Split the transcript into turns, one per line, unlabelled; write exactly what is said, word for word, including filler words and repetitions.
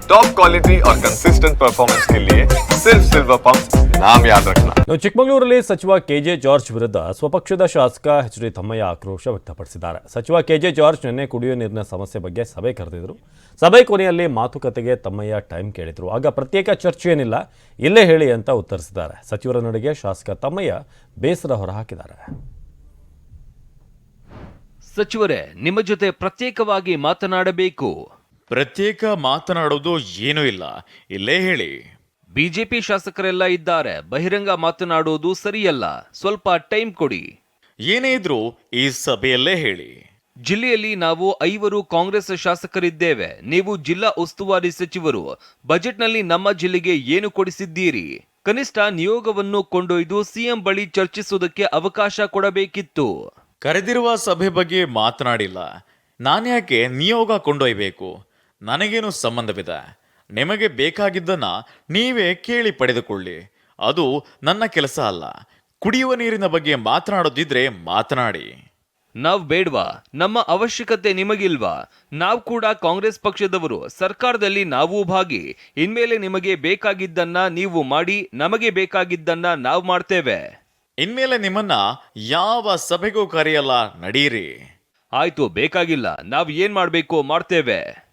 Top quality और consistent performance के लिए सिर्फ सिल्वर पंप नाम याद रखना।
ಚಿಕ್ಕಮಗಳೂರಲ್ಲಿ ಸಚಿವ ಕೆಜೆ ಜಾರ್ಜ್ ವಿರುದ್ಧ ಸ್ವಪಕ್ಷದ ಶಾಸಕ ಎಚ್ ಡಿ ತಮ್ಮಯ್ಯ ಆಕ್ರೋಶ ವ್ಯಕ್ತಪಡಿಸಿದ್ದಾರೆ. ಸಚಿವ ಕೆಜೆ ಜಾರ್ಜ್ ನಿನ್ನೆ ಕುಡಿಯುವ ನೀರಿನ ಸಮಸ್ಯೆ ಬಗ್ಗೆ ಸಭೆ ಕರೆದಿದ್ರು. ಸಭೆ ಕೊನೆಯಲ್ಲಿ ಮಾತುಕತೆಗೆ ತಮ್ಮಯ್ಯ ಟೈಮ್ ಕೇಳಿದ್ರು. ಆಗ ಪ್ರತ್ಯೇಕ ಚರ್ಚೆ ಏನಿಲ್ಲ, ಇಲ್ಲೇ ಹೇಳಿ ಅಂತ ಉತ್ತರಿಸಿದ್ದಾರೆ. ಸಚಿವರ ನಡೆಗೆ ಶಾಸಕ ತಮ್ಮಯ್ಯ ಬೇಸರ ಹೊರಹಾಕಿದ್ದಾರೆ.
ಸಚಿವರೇ, ನಿಮ್ಮ ಜೊತೆ ಪ್ರತ್ಯೇಕವಾಗಿ ಮಾತನಾಡಬೇಕು.
ಪ್ರತ್ಯೇಕ ಮಾತನಾಡೋದು ಏನೂ ಇಲ್ಲ, ಇಲ್ಲೇ ಹೇಳಿ.
ಬಿಜೆಪಿ ಶಾಸಕರೆಲ್ಲ ಇದ್ದಾರೆ, ಬಹಿರಂಗ ಮಾತನಾಡುವುದು ಸರಿಯಲ್ಲ, ಸ್ವಲ್ಪ ಟೈಮ್ ಕೊಡಿ.
ಏನೇ ಇದ್ರೂ ಈ ಸಭೆಯಲ್ಲೇ ಹೇಳಿ.
ಜಿಲ್ಲೆಯಲ್ಲಿ ನಾವು ಐವರು ಕಾಂಗ್ರೆಸ್ ಶಾಸಕರಿದ್ದೇವೆ. ನೀವು ಜಿಲ್ಲಾ ಉಸ್ತುವಾರಿ ಸಚಿವರು. ಬಜೆಟ್ನಲ್ಲಿ ನಮ್ಮ ಜಿಲ್ಲೆಗೆ ಏನು ಕೊಡಿಸಿದ್ದೀರಿ? ಕನಿಷ್ಠ ನಿಯೋಗವನ್ನು ಕೊಂಡೊಯ್ದು ಸಿಎಂ ಬಳಿ ಚರ್ಚಿಸುವುದಕ್ಕೆ ಅವಕಾಶ ಕೊಡಬೇಕಿತ್ತು.
ಕರೆದಿರುವ ಸಭೆ ಬಗ್ಗೆ ಮಾತನಾಡಿಲ್ಲ. ನಾನ್ಯಾಕೆ ನಿಯೋಗ ಕೊಂಡೊಯ್ಬೇಕು? ನನಗೇನು ಸಂಬಂಧವಿದೆ? ನಿಮಗೆ ಬೇಕಾಗಿದ್ದನ್ನ ನೀವೇ ಕೇಳಿ ಪಡೆದುಕೊಳ್ಳಿ. ಅದು ನನ್ನ ಕೆಲಸ ಅಲ್ಲ. ಕುಡಿಯುವ ನೀರಿನ ಬಗ್ಗೆ ಮಾತನಾಡೋದಿದ್ರೆ ಮಾತನಾಡಿ.
ನಾವ್ ಬೇಡ್ವಾ? ನಮ್ಮ ಅವಶ್ಯಕತೆ ನಿಮಗಿಲ್ವಾ? ನಾವು ಕೂಡ ಕಾಂಗ್ರೆಸ್ ಪಕ್ಷದವರು, ಸರ್ಕಾರದಲ್ಲಿ ನಾವು ಭಾಗಿ. ಇನ್ಮೇಲೆ ನಿಮಗೆ ಬೇಕಾಗಿದ್ದನ್ನ ನೀವು ಮಾಡಿ, ನಮಗೆ ಬೇಕಾಗಿದ್ದನ್ನ ನಾವು ಮಾಡ್ತೇವೆ.
ಇನ್ಮೇಲೆ ನಿಮ್ಮನ್ನ ಯಾವ ಸಭೆಗೂ ಕರೆಯಲ್ಲ, ನಡೀರಿ.
ಆಯ್ತು, ಬೇಕಾಗಿಲ್ಲ, ನಾವ್ ಏನ್ ಮಾಡ್ಬೇಕು ಮಾಡ್ತೇವೆ.